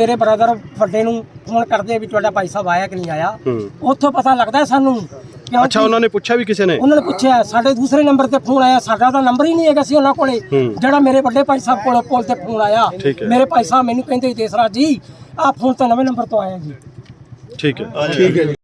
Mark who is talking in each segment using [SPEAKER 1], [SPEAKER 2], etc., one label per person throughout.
[SPEAKER 1] ਮੇਰੇ ਬ੍ਰਦਰ ਵੱਡੇ ਨੂੰ ਫੋਨ ਕਰਦੇ ਵੀ ਤੁਹਾਡਾ ਭਾਈ ਸਾਹਿਬ ਆਇਆ ਕਿ ਨਹੀਂ ਆਇਆ। ਉੱਥੋਂ ਪਤਾ ਲੱਗਦਾ ਸਾਨੂੰ।
[SPEAKER 2] ਅੱਛਾ, ਉਹਨਾਂ ਨੇ ਪੁੱਛਿਆ ਵੀ ਕਿਸੇ ਨੇ?
[SPEAKER 1] ਉਹਨਾਂ ਨੇ ਪੁੱਛਿਆ, ਸਾਡੇ ਦੂਸਰੇ ਨੰਬਰ ਤੇ ਫੋਨ ਆਇਆ, ਸਾਡਾ ਤਾਂ ਨੰਬਰ ਹੀ ਨਹੀਂ ਹੈਗਾ ਸੀ ਉਹਨਾਂ ਕੋਲੇ। ਜਿਹੜਾ ਮੇਰੇ ਵੱਡੇ ਭਾਈ ਸਾਹਿਬ ਕੋਲ ਪੁੱਲ ਤੇ ਫੋਨ ਆਇਆ, ਮੇਰੇ ਭਾਈ ਸਾਹਿਬ ਮੈਨੂੰ ਕਹਿੰਦੇ ਦੇਸਰਾ ਜੀ ਆਹ ਫੋਨ ਤਾਂ ਨਵੇਂ ਨੰਬਰ ਤੋਂ ਆਇਆ ਜੀ।
[SPEAKER 2] ਠੀਕ ਹੈ, ਠੀਕ ਹੈ ਜੀ।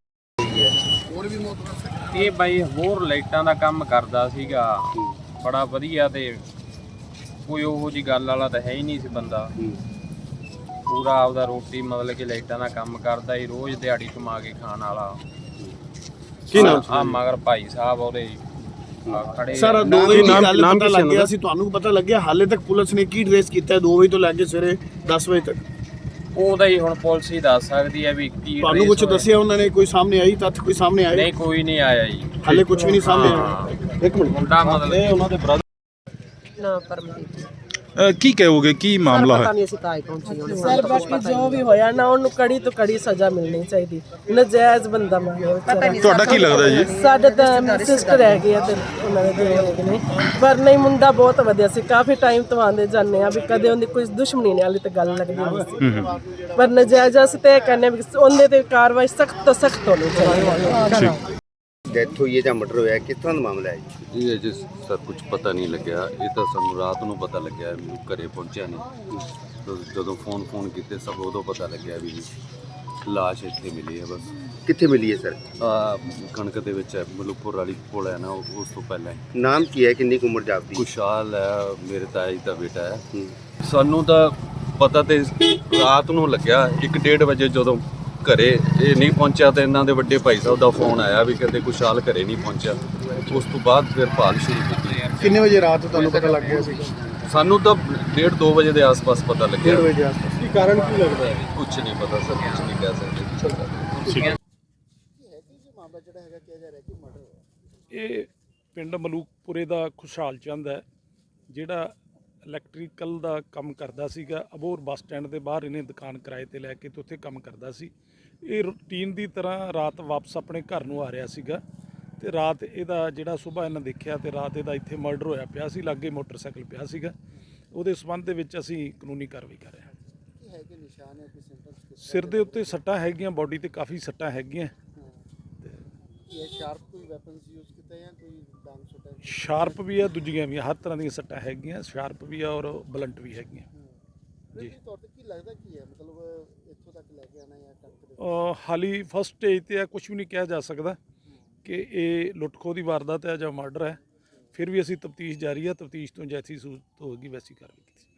[SPEAKER 3] ਇਹ ਬਾਈ ਹੋਰ ਲਾਈਟਾਂ ਦਾ ਕੰਮ ਕਰਦਾ ਸੀਗਾ, ਬੜਾ ਵਧੀਆ, ਤੇ ਕੋਈ ਉਹੋ ਜੀ ਗੱਲ ਵਾਲਾ ਤਾਂ ਹੈ ਹੀ ਨਹੀਂ ਸੀ ਬੰਦਾ। ਪੂਰਾ ਆਪਦਾ ਰੋਟੀ ਮਤਲਬ ਕਿ ਲਾਈਟਾਂ ਦਾ ਕੰਮ ਕਰਦਾ ਹੀ, ਰੋਜ਼ ਦਿਹਾੜੀ ਕਮਾ ਕੇ ਖਾਣ ਵਾਲਾ।
[SPEAKER 2] ਕੀ ਨਾਮ
[SPEAKER 3] ਆ ਮਗਰ ਭਾਈ ਸਾਹਿਬ ਉਹਦੇ ਖੜੇ।
[SPEAKER 4] ਸਰ 2 ਵਜੇ ਦੀ ਗੱਲ ਪਤਾ ਲੱਗ ਗਿਆ ਸੀ, ਤੁਹਾਨੂੰ ਪਤਾ ਲੱਗਿਆ? ਹਾਲੇ ਤੱਕ ਪੁਲਿਸ ਨੇ ਕੀ ਟ੍ਰੇਸ ਕੀਤਾ 2 ਵਜੇ ਤੋਂ ਲੈ ਕੇ ਸਵੇਰੇ 10 ਵਜੇ ਤੱਕ?
[SPEAKER 3] ਉਹਦਾ ਹੀ ਹੁਣ ਪੁਲਿਸ ਹੀ ਦੱਸ ਸਕਦੀ ਹੈ ਵੀ ਕੀ
[SPEAKER 4] ਤੁਹਾਨੂੰ ਕੁਝ ਦੱਸਿਆ ਉਹਨਾਂ ਨੇ? ਕੋਈ ਸਾਹਮਣੇ ਆਈ ਤੱਥ ਕੋਈ ਸਾਹਮਣੇ ਆਇਆ?
[SPEAKER 3] ਨਹੀਂ, ਕੋਈ ਨਹੀਂ ਆਇਆ ਜੀ,
[SPEAKER 4] ਹਾਲੇ ਕੁਝ ਵੀ ਨਹੀਂ ਸਾਹਮਣੇ ਆਇਆ। ਇੱਕ ਮਿੰਟ,
[SPEAKER 3] ਮੁੰਡਾ ਮਤਲਬ
[SPEAKER 2] ਉਹਨਾਂ ਦੇ ਬ੍ਰਦਰ
[SPEAKER 5] ਨਾ ਪਰਮਜੀਤ
[SPEAKER 2] ਕੀ ਕਹੋਗੇ, ਕੀ ਮਾਮਲਾ ਹੈ?
[SPEAKER 5] ਨਹੀਂ ਅਸੀਂ ਤਾਂ ਹੀ ਪਹੁੰਚੇ ਹੁਣ।
[SPEAKER 6] ਸਰ ਬਾਕੀ ਜੋ ਵੀ ਹੋਇਆ ਨਾ ਉਹਨੂੰ ਕੜੀ ਤੋਂ ਕੜੀ ਸਜ਼ਾ ਮਿਲਣੀ ਚਾਹੀਦੀ। ਨਜਾਇਜ਼ ਬੰਦਾ ਮਾਰਿਆ ਵਿਚਾਰਾ।
[SPEAKER 2] ਤੁਹਾਡਾ ਕੀ ਲੱਗਦਾ ਜੀ?
[SPEAKER 6] ਸਾਡੇ ਤਾਂ ਸਿਸਟਰ ਹੈਗੇ ਆ ਤੇ ਉਹਨਾਂ ਦੇ ਦੋ ਹੈਗੇ ਨੇ, ਪਰ ਨਹੀਂ ਮੁੰਡਾ ਬਹੁਤ ਵਧੀਆ ਸੀ। ਕਾਫੀ ਟਾਈਮ ਤੋਂ ਆਂਦੇ ਜਾਂਦੇ ਆ ਵੀ ਕਦੇ ਉਹਦੀ ਕੋਈ ਦੁਸ਼ਮਣੀ ਨਹੀਂ, ਹਾਲੇ ਤੇ ਗੱਲ ਲੱਗਦੀ ਨਹੀਂ ਸੀ। ਪਰ ਨਜਾਇਜ਼ ਅਸੀਂ ਤੇ ਕਹਿੰਦੇ ਵੀ ਉਹਦੇ ਤੇ ਕਾਰਵਾਈ ਸਖਤ ਤੋਂ ਸਖਤ ਹੋਣੀ ਚਾਹੀਦੀ।
[SPEAKER 7] ਡੈਥ ਹੋਈ ਹੈ ਜਾਂ ਮਰਡਰ ਹੋਇਆ, ਕਿਸ ਤਰ੍ਹਾਂ ਦਾ ਮਾਮਲਾ ਹੈ ਜੀ?
[SPEAKER 8] ਇਹ ਅਜੇ ਸਰ ਕੁਝ ਪਤਾ ਨਹੀਂ ਲੱਗਿਆ। ਇਹ ਤਾਂ ਸਾਨੂੰ ਰਾਤ ਨੂੰ ਪਤਾ ਲੱਗਿਆ, ਮੈਨੂੰ ਘਰੇ ਪਹੁੰਚਿਆ ਨਹੀਂ। ਜਦੋਂ ਫੋਨ ਕੀਤੇ ਸਭ ਉਦੋਂ ਪਤਾ ਲੱਗਿਆ ਵੀ ਲਾਸ਼ ਇੱਥੇ ਮਿਲੀ ਹੈ। ਬਸ
[SPEAKER 7] ਕਿੱਥੇ ਮਿਲੀ ਹੈ ਸਰ?
[SPEAKER 8] ਕਣਕ ਦੇ ਵਿੱਚ ਹੈ, ਮਲੂਕਪੁਰ ਵਾਲੀ ਪੁਲ ਹੈ ਨਾ, ਉਸ ਤੋਂ ਪਹਿਲਾਂ।
[SPEAKER 7] ਨਾਮ ਕੀ ਹੈ, ਕਿੰਨੀ ਕੁ ਉਮਰ ਜਾਪਦੀ?
[SPEAKER 8] ਖੁਸ਼ਹਾਲ ਹੈ, ਮੇਰੇ ਤਾਏ ਦਾ ਬੇਟਾ ਹੈ। ਸਾਨੂੰ ਤਾਂ ਪਤਾ ਤੇ ਰਾਤ ਨੂੰ ਲੱਗਿਆ 1-1:30 ਵਜੇ, ਜਦੋਂ ਘਰੇ ਇਹ ਨਹੀਂ ਪਹੁੰਚਿਆ ਤੇ ਇਹਨਾਂ ਦੇ ਵੱਡੇ ਭਾਈ ਸਾਹਿਬ ਦਾ ਫੋਨ ਆਇਆ ਵੀ ਕਹਿੰਦੇ ਖੁਸ਼ਹਾਲ ਘਰੇ ਨਹੀਂ ਪਹੁੰਚਿਆ। ਉਸ ਤੋਂ ਬਾਅਦ ਫਿਰ ਭਾਲ ਸ਼ੁਰੂ ਕੀਤੀ।
[SPEAKER 4] ਕਿੰਨੇ ਵਜੇ ਰਾਤ ਤੁਹਾਨੂੰ ਪਤਾ ਲੱਗ ਗਿਆ ਸੀ?
[SPEAKER 8] ਸਾਨੂੰ ਤਾਂ 1:30-2 ਵਜੇ ਦੇ ਆਸ-ਪਾਸ ਪਤਾ ਲੱਗਿਆ।
[SPEAKER 4] 1:30 ਵਜੇ ਦੇ ਆਸ-ਪਾਸ। ਕੀ ਕਾਰਨ ਕੀ ਲੱਗਦਾ ਹੈ?
[SPEAKER 8] ਕੁਝ ਨਹੀਂ ਪਤਾ ਸਰ, ਕੁਝ ਨਹੀਂ ਕਹਿ ਸਕਦੇ।
[SPEAKER 9] ਇਹ ਪਿੰਡ ਮਲੂਕਪੁਰੇ ਦਾ ਖੁਸ਼ਹਾਲ ਚੰਦ ਹੈ, ਜਿਹੜਾ ਇਲੈਕਟ੍ਰੀਕਲ ਦਾ ਕੰਮ ਕਰਦਾ ਸੀਗਾ। ਅਬੋਹਰ ਬੱਸ ਸਟੈਂਡ ਦੇ ਬਾਹਰ ਇਹਨੇ ਦੁਕਾਨ ਕਿਰਾਏ ਤੇ ਲੈ ਕੇ ਤੇ ਉੱਥੇ ਕੰਮ ਕਰਦਾ ਸੀ। ਇਹ ਰੂਟੀਨ ਦੀ ਤਰ੍ਹਾਂ ਰਾਤ ਵਾਪਸ ਆਪਣੇ ਘਰ ਨੂੰ ਆ ਰਿਹਾ ਸੀਗਾ ਤੇ ਰਾਤ ਇਹਦਾ ਜਿਹੜਾ ਸਵੇਰ ਇਹਨਾਂ ਦੇਖਿਆ ਤੇ ਰਾਤ ਇਹਦਾ ਇੱਥੇ ਮਰਡਰ ਹੋਇਆ ਪਿਆ ਸੀ, ਲਾਗੇ ਮੋਟਰਸਾਈਕਲ ਪਿਆ ਸੀਗਾ। ਉਹਦੇ ਸੰਬੰਧ ਦੇ ਵਿੱਚ ਅਸੀਂ ਕਾਨੂੰਨੀ ਕਾਰਵਾਈ ਕਰ ਰਹੇ ਹਾਂ। ਸਿਰ ਦੇ ਉੱਤੇ ਸੱਟਾਂ ਹੈਗੀਆਂ, ਬਾਡੀ ਤੇ ਕਾਫੀ ਸੱਟਾਂ ਹੈਗੀਆਂ। ਸ਼ਾਰਪ ਵੀ ਆ, ਦੂਜੀਆਂ ਵੀ, ਹਰ ਤਰ੍ਹਾਂ ਦੀਆਂ ਸੱਟਾਂ ਹੈਗੀਆਂ। ਸ਼ਾਰਪ ਵੀ ਆ ਔਰ ਬਲੰਟ ਵੀ ਹੈਗੀਆਂ ਜੀ। ਹਾਲੀ ਫਸਟ ਸਟੇਜ ਤੇ ਆ, ਕੁਝ ਵੀ ਨਹੀਂ ਕਿਹਾ ਜਾ ਸਕਦਾ ਕਿ ਇਹ ਲੁੱਟ-ਖੋਹ ਦੀ ਵਾਰਦਾਤ ਹੈ ਜਾਂ ਮਰਡਰ ਹੈ। ਫਿਰ ਵੀ ਅਸੀਂ ਤਫਤੀਸ਼ ਜਾਰੀ ਹੈ, ਤਫਤੀਸ਼ ਤੋਂ ਜੈਸੀ ਸੂਰਤ ਹੋਵੇਗੀ ਵੈਸੀ ਕਾਰਵਾਈ ਕੀਤੀ।